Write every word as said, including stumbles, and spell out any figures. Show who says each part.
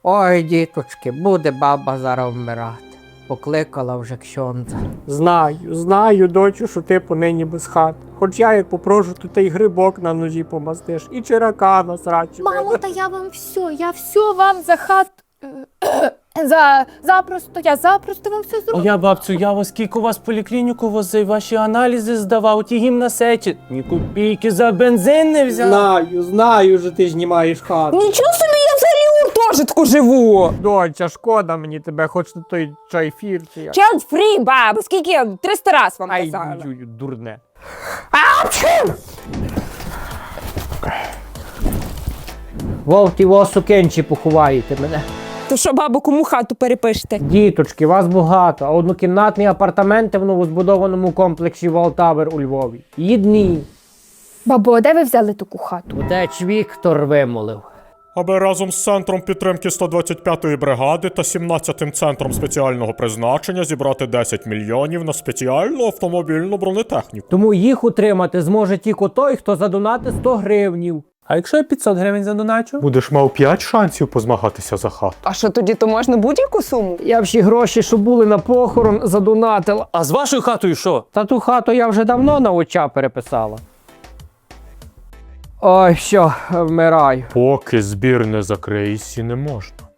Speaker 1: Ой, діточки, буде баба зараз вмирати. Покликала вже ксьондза.
Speaker 2: Знаю, знаю, дочу, що ти понині без хат. Хоч я як попрошу, то ти й грибок на ножі помастиш, і чирака на срачі.
Speaker 3: Мамо, та я вам все, я все вам за хат... За... Запросто, я запросто вам все зроблю.
Speaker 4: О, я, бабцю, я вас скільки у вас в поліклініку возив, ваші аналізи здавав, ті гімнасечі. Ні копійки за бензин не взяв.
Speaker 2: Знаю, знаю, що ти знімаєш хату.
Speaker 5: Нічого собі, я взагалі у гуртожитку живу.
Speaker 2: Доча, шкода мені тебе, хоч на той чайфір чи як.
Speaker 5: Child free, баба, скільки я триста раз вам
Speaker 2: Ай,
Speaker 5: казала.
Speaker 2: ю, дурне.
Speaker 1: Вовті во сукенчі поховаєте мене.
Speaker 5: То що, бабу, кому хату перепишете?
Speaker 1: Діточки, вас багато, а однокімнатні апартаменти в новозбудованому комплексі Валтавер у Львові. Єдні.
Speaker 3: Бабо, а де ви взяли таку хату?
Speaker 1: Утеч Віктор вимолив.
Speaker 6: Аби разом з Центром підтримки сто двадцять п'ятої бригади та сімнадцятим центром спеціального призначення зібрати десять мільйонів на спеціальну автомобільну бронетехніку.
Speaker 1: Тому їх утримати зможе тільки той, хто задонати сто гривнів.
Speaker 4: А якщо я п'ятсот гривень задоначу?
Speaker 6: Будеш мав п'ять шансів позмагатися за хату.
Speaker 5: А що тоді, то можна будь-яку суму?
Speaker 1: Я всі гроші, що були на похорон, задонатила.
Speaker 4: А з вашою хатою що?
Speaker 1: Та ту хату я вже давно на оча переписала. Ой, все, вмираю.
Speaker 6: Поки збір не закриється, не можна.